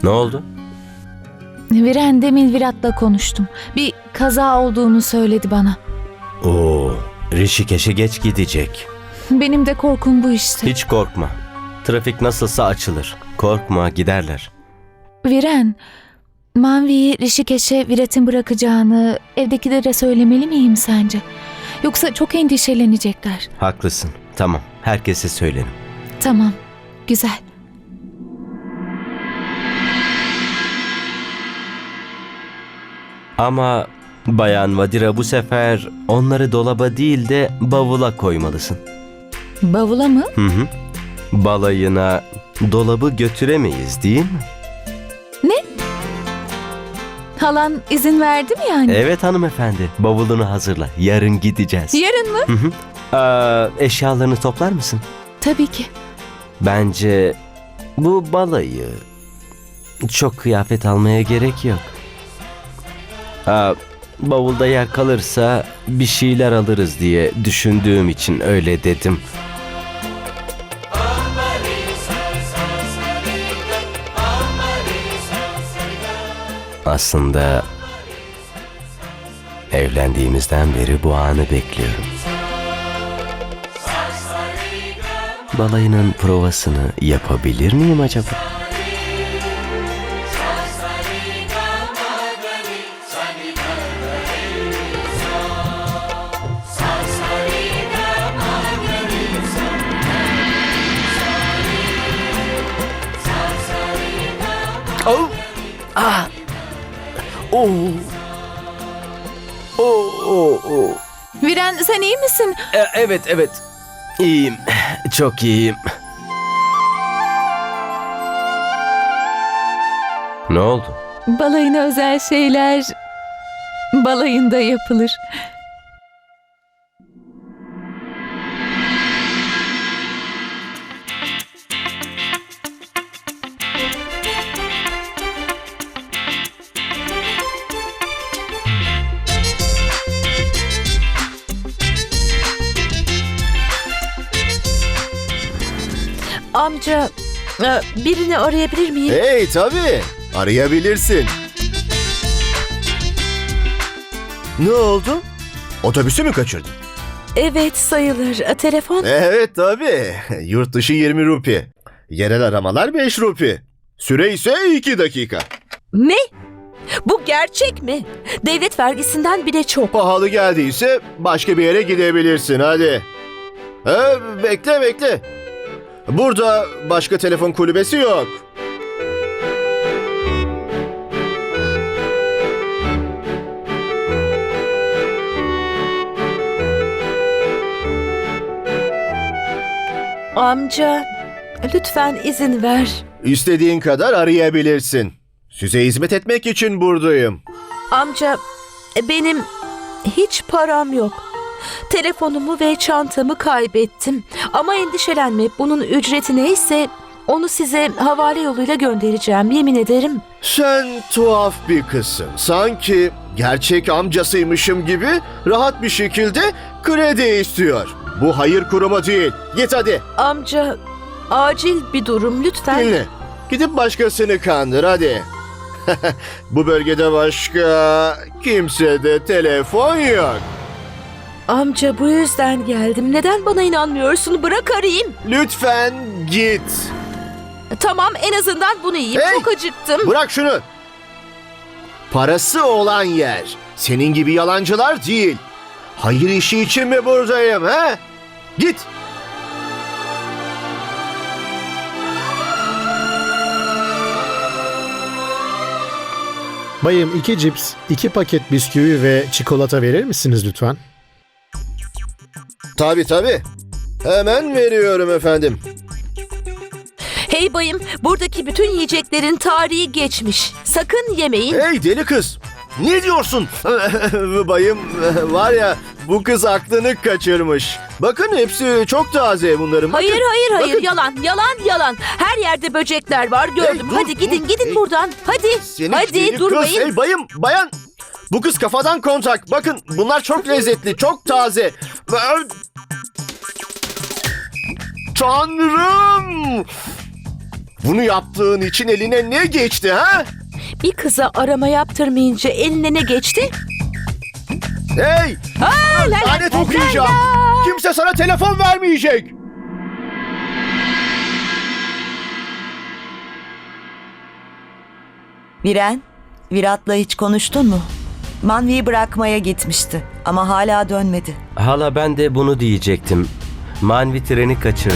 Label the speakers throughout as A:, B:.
A: Ne oldu?
B: Viren demin Virat'la konuştum. Bir kaza olduğunu söyledi bana.
A: Oo, Rişikeş'e geç gidecek.
B: Benim de korkum bu işte.
A: Hiç korkma. Trafik nasılsa açılır. Korkma, giderler.
B: Viren, Manvi'yi Rişikeş'e Virat'ın bırakacağını evdekilere söylemeli miyim sence? Yoksa çok endişelenecekler.
A: Haklısın. Tamam, herkese söylerim.
B: Tamam, güzel.
A: Ama Bayan Vadira, bu sefer onları dolaba değil de bavula koymalısın.
B: Bavula mı?
A: Hı hı. Balayına dolabı götüremeyiz değil mi?
B: Halan izin verdi mi yani?
A: Evet hanımefendi. Bavulunu hazırla. Yarın gideceğiz.
B: Yarın mı?
A: Hı hı. Eşyalarını toplar mısın?
B: Tabii ki.
A: Bence bu balayı çok kıyafet almaya gerek yok. Bavulda yer kalırsa bir şeyler alırız diye düşündüğüm için öyle dedim. Aslında evlendiğimizden beri bu anı bekliyorum. Balayının provasını yapabilir miyim acaba? Oh! Ah! Oh! Oh! Oh! Oh!
B: Viren, sen iyi misin?
A: Evet. İyiyim. Çok iyiyim. Ne oldu?
B: Balayına özel şeyler balayında yapılır.
C: Amca, birini arayabilir miyim?
D: Hey tabii arayabilirsin. Ne oldu? Otobüsü mü kaçırdın?
C: Evet, sayılır. Telefon?
D: Evet tabii. Yurt dışı 20 rupi. Yerel aramalar 5 rupi. Süre ise 2 dakika.
C: Ne? Bu gerçek mi? Devlet vergisinden bile çok.
D: Pahalı geldiyse başka bir yere gidebilirsin hadi. Bekle. Burada başka telefon kulübesi yok.
C: Amca, lütfen izin ver.
D: İstediğin kadar arayabilirsin. Size hizmet etmek için buradayım.
C: Amca, benim hiç param yok. Telefonumu ve çantamı kaybettim. Ama endişelenme, bunun ücreti neyse onu size havale yoluyla göndereceğim, yemin ederim.
D: Sen tuhaf bir kızsın. Sanki gerçek amcasıymışım gibi rahat bir şekilde kredi istiyor. Bu hayır kurumu değil. Git hadi.
C: Amca, acil bir durum lütfen.
D: Dinle. Gidip başkasını kandır hadi. Bu bölgede başka kimsede telefon yok.
C: Amca, bu yüzden geldim. Neden bana inanmıyorsun? Bırak arayayım.
D: Lütfen git.
C: Tamam, en azından bunu yiyeyim.
D: Hey!
C: Çok acıktım.
D: Bırak şunu. Parası olan yer. Senin gibi yalancılar değil. Hayır işi için mi buradayım he? Git.
E: Bayım 2 cips, 2 paket bisküvi ve çikolata verir misiniz lütfen?
D: Tabii. Hemen veriyorum efendim.
C: Hey bayım, buradaki bütün yiyeceklerin tarihi geçmiş. Sakın yemeyin.
D: Hey deli kız. Ne diyorsun? Bayım var ya bu kız aklını kaçırmış. Bakın hepsi çok taze bunların. Bakın.
C: Hayır,
D: Bakın.
C: yalan. Her yerde böcekler var, gördüm.
D: Hey, dur,
C: Hadi gidin
D: hey.
C: buradan. Hadi.
D: Seni
C: Hadi
D: deli
C: durmayın.
D: Kız. Hey bayan. Bu kız kafadan kontak. Bakın bunlar çok lezzetli, çok taze. Tanrım! Bunu yaptığın için eline ne geçti ha?
C: Bir kıza arama yaptırmayınca eline ne geçti?
D: Hey! Lanet okuyacağım. Kimse sana telefon vermeyecek.
F: Viren, Virat'la hiç konuştun mu? Manvi'yi bırakmaya gitmişti ama hala dönmedi.
A: Hala ben de bunu diyecektim. Manvi treni kaçırdı.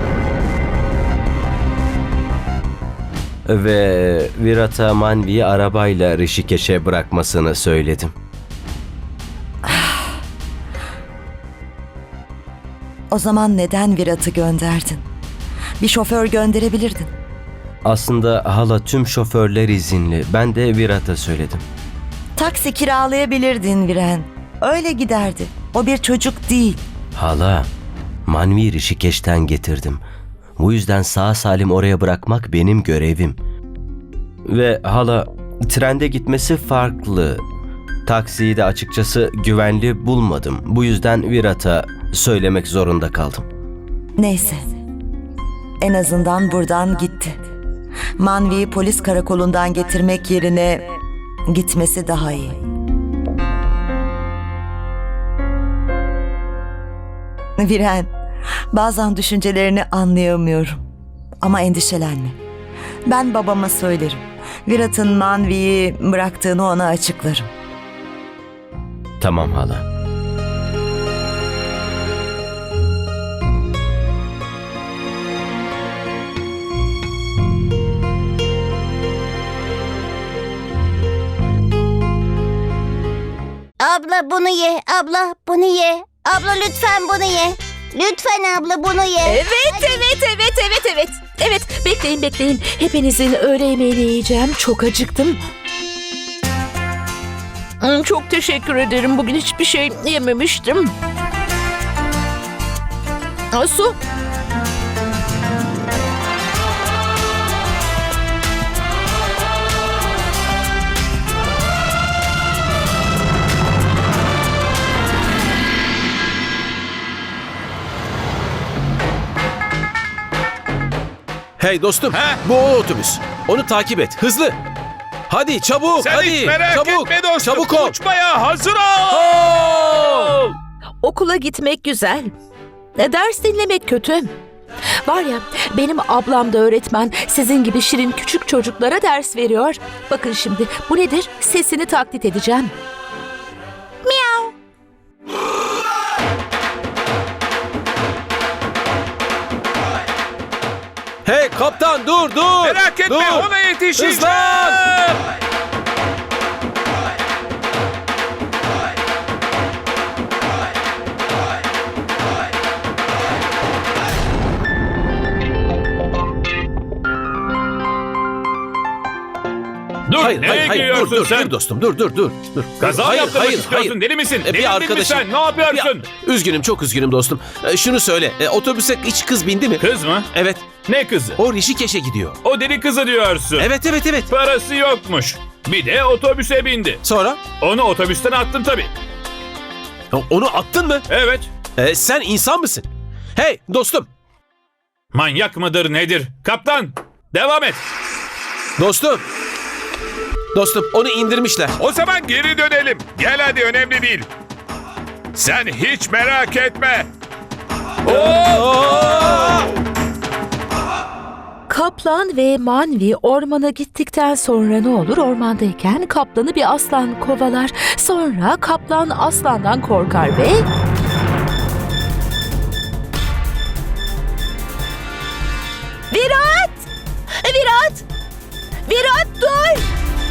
A: Ve Virat'a Manvi'yi arabayla Rishikesh'e bırakmasını söyledim.
F: O zaman neden Virat'ı gönderdin? Bir şoför gönderebilirdin.
A: Aslında hala tüm şoförler izinli. Ben de Virat'a söyledim.
F: Taksi kiralayabilirdin Viren. Öyle giderdi. O bir çocuk değil.
A: Hala, Manvi Rishikesh'ten getirdim. Bu yüzden sağ salim oraya bırakmak benim görevim. Ve hala, trende gitmesi farklı. Taksiyi de açıkçası güvenli bulmadım. Bu yüzden Virat'a söylemek zorunda kaldım.
F: Neyse. En azından buradan gitti. Manvi'yi polis karakolundan getirmek yerine gitmesi daha iyi. Viren, bazen düşüncelerini anlayamıyorum. Ama endişelenme. Ben babama söylerim. Virat'ın Manvi'yi bıraktığını ona açıklarım.
A: Tamam hala.
G: Abla bunu ye, abla bunu ye. Abla lütfen bunu ye. Lütfen abla bunu ye.
C: Evet, bekleyin. Hepinizin öğle yemeğini yiyeceğim. Çok acıktım. Çok teşekkür ederim. Bugün hiçbir şey yememiştim. Su.
H: Hey dostum, bu o otobüs. Onu takip et, hızlı. Hadi çabuk,
I: Sen
H: hadi.
I: hiç merak
H: Çabuk,
I: etme dostum.
H: çabuk ol.
I: Uçmaya hazır ol.
C: Okula gitmek güzel. Ders dinlemek kötü. Var ya, benim ablam da öğretmen. Sizin gibi şirin küçük çocuklara ders veriyor. Bakın şimdi, bu nedir? Sesini taklit edeceğim.
H: Hey kaptan dur.
I: Merak etme,
H: dur.
I: ona yetişeceğim.
H: Hızlan.
I: Dur,
H: Hayır,
I: nereye gidiyorsun
H: dur,
I: sen?
H: dur dostum, dur.
I: Kaza
H: Hayır,
I: yaptırmak istiyorsun, deli misin?
H: Bir
I: Delirdin mi
H: arkadaşım.
I: sen? Ne yapıyorsun?
H: Üzgünüm, çok üzgünüm dostum. Şunu söyle, otobüse hiç kız bindi mi?
I: Kız mı?
H: Evet,
I: Ne kızı?
H: o Rishikesh'e gidiyor.
I: O deli kızı diyorsun.
H: Evet.
I: Parası yokmuş. Bir de otobüse bindi.
H: Sonra?
I: Onu otobüsten attın tabii.
H: Onu attın mı?
I: Evet.
H: Sen insan mısın? Hey dostum,
I: Manyak mıdır nedir? Kaptan, devam et.
H: dostum onu indirmişler.
I: O zaman geri dönelim. Gel hadi, önemli değil. Sen hiç merak etme.
C: Kaplan ve Manvi ormana gittikten sonra ne olur? Ormandayken kaplanı bir aslan kovalar. Sonra kaplan aslandan korkar ve... Virat! Virat dur!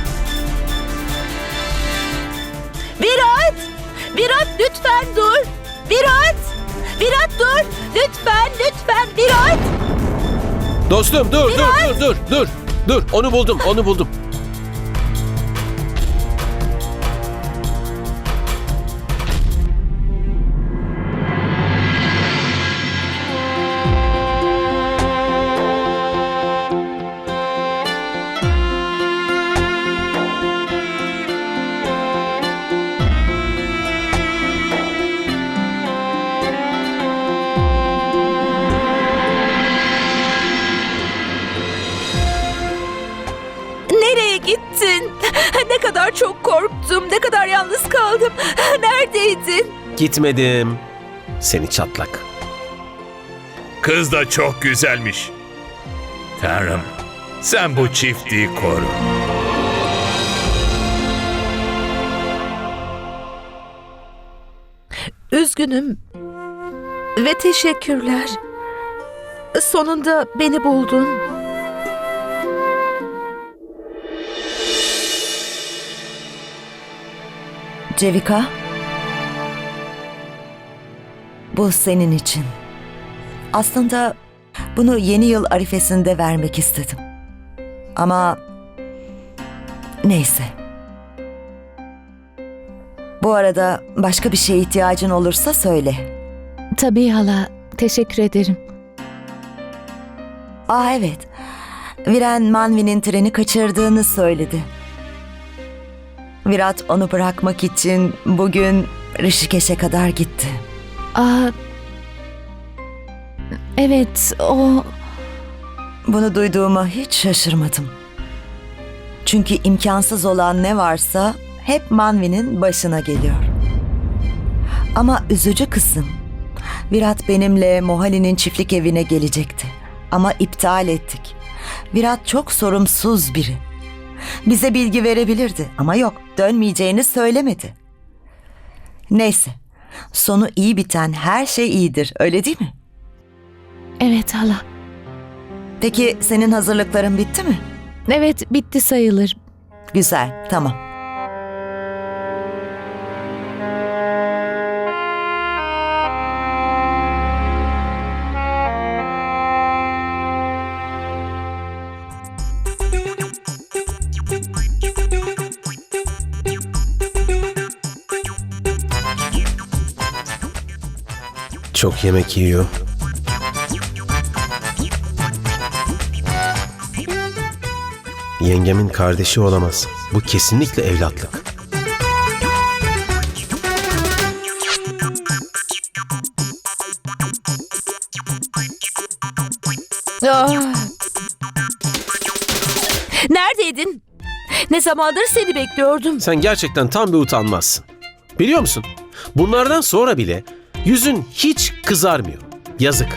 C: Virat lütfen dur! Virat dur! Lütfen Virat!
H: Dostum dur. Onu buldum.
C: gittin?
H: Gitmedim. Seni çatlak.
I: Kız da çok güzelmiş. Tanrım, sen bu çiftliği koru.
C: Üzgünüm. Ve teşekkürler. Sonunda beni buldun.
F: Cevika, bu senin için. Aslında bunu yeni yıl arifesinde vermek istedim. Ama neyse. Bu arada başka bir şeye ihtiyacın olursa söyle.
B: Tabii hala, teşekkür ederim.
F: Evet. Viren Manvi'nin treni kaçırdığını söyledi. Virat onu bırakmak için bugün Rishikeş'e kadar gitti.
B: Evet, o...
F: Bunu duyduğuma hiç şaşırmadım. Çünkü imkansız olan ne varsa hep Manvi'nin başına geliyor. Ama üzücü kısım, Virat benimle Mohali'nin çiftlik evine gelecekti. Ama iptal ettik. Virat çok sorumsuz biri. Bize bilgi verebilirdi ama yok, dönmeyeceğini söylemedi. Neyse, sonu iyi biten her şey iyidir, öyle değil mi?
B: Evet hala.
F: Peki senin hazırlıkların bitti mi?
B: Evet, bitti sayılır.
F: Güzel, tamam.
H: Çok yemek yiyor. Yengemin kardeşi olamaz. Bu kesinlikle evlatlık.
C: Neredeydin? Ne zamandır seni bekliyordum.
H: Sen gerçekten tam bir utanmazsın. Biliyor musun? Bunlardan sonra bile yüzün hiç kızarmıyor. Yazık.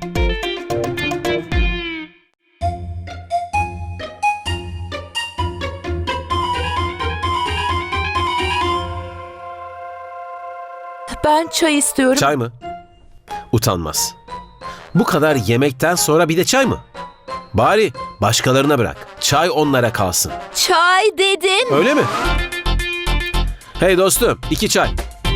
C: Ben çay istiyorum.
H: Çay mı? Utanmaz. Bu kadar yemekten sonra bir de çay mı? Bari başkalarına bırak. Çay onlara kalsın.
C: Çay dedim.
H: Öyle mi? Hey dostum, 2 çay.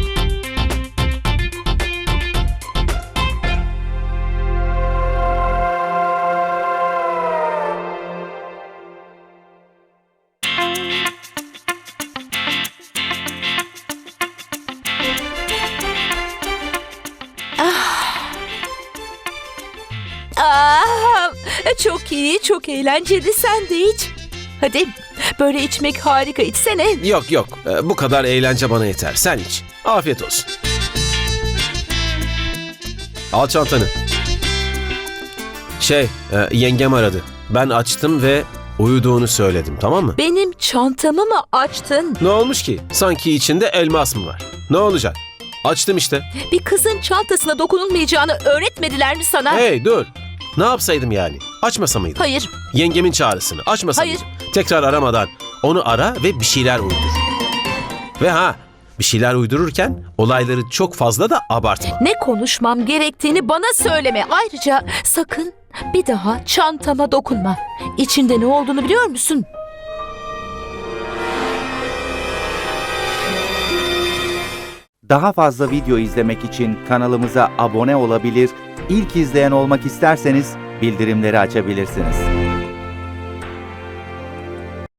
C: Çok iyi, çok eğlenceli. Sen de iç. Hadi, böyle içmek harika. İçsene.
H: Yok yok, bu kadar eğlence bana yeter. Sen iç. Afiyet olsun. Al çantanı. Yengem aradı. Ben açtım ve uyuduğunu söyledim, tamam mı?
C: Benim çantamı mı açtın?
H: Ne olmuş ki? Sanki içinde elmas mı var? Ne olacak? Açtım işte.
C: Bir kızın çantasına dokunulmayacağını öğretmediler mi sana?
H: Hey dur. Ne yapsaydım yani? Açmasa mıydım?
C: Hayır.
H: Yengemin çağrısını açmasa
C: Hayır.
H: mıydım? Tekrar aramadan onu ara ve bir şeyler uydur. Ve bir şeyler uydururken olayları çok fazla da abartma.
C: Ne konuşmam gerektiğini bana söyleme. Ayrıca sakın bir daha çantama dokunma. İçinde ne olduğunu biliyor musun?
J: Daha fazla video izlemek için kanalımıza abone olabilir, ilk izleyen olmak isterseniz bildirimleri açabilirsiniz.